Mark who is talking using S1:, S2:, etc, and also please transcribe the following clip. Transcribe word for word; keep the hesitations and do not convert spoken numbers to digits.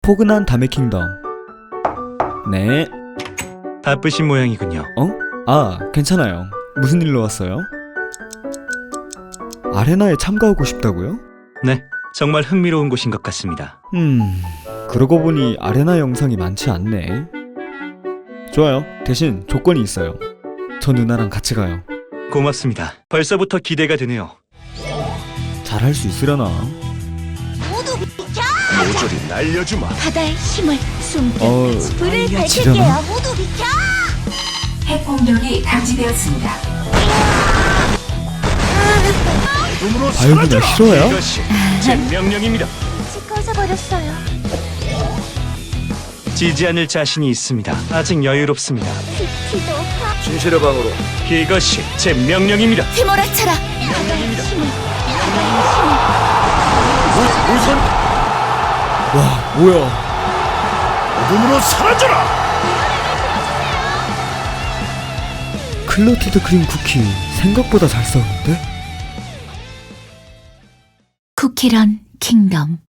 S1: 포근한 담의 킹덤. 네.
S2: 바쁘신 모양이군요.
S1: 어? 아, 괜찮아요. 무슨 일로 왔어요? 아레나에 참가하고 싶다고요?
S2: 네, 정말 흥미로운 곳인 것 같습니다.
S1: 음... 그러고 보니 아레나 영상이 많지 않네. 좋아요. 대신 조건이 있어요. 저 누나랑 같이 가요.
S2: 고맙습니다. 벌써부터 기대가 되네요.
S1: 잘할 수 있으려나?
S3: 모두 비켜!
S4: 모조리 날려주마.
S3: 바다의 힘을 숨겨
S1: 어...
S3: 불을
S1: 지려나?
S3: 밝힐게요. 모두 비켜!
S5: 핵 공격이 감지되었습니다.
S4: 눈으로
S1: 아유, 누나
S4: 사라져라.
S1: 싫어요?
S2: 이것이 제 명령입니다.
S3: 빛이 꺼져버렸어요.
S2: 지지 않을 자신이 있습니다. 아직 여유롭습니다.
S3: 빛이 높아
S4: 진실의 방으로.
S2: 이것이 제 명령입니다.
S3: 휘몰아쳐라. 바다의 힘을 바다의 힘을
S4: 우선
S1: 와, 뭐야.
S4: 눈으로 사라져라.
S1: 클로티드 크림 쿠키 생각보다 잘 싸우는데?
S5: 쿠키런 킹덤.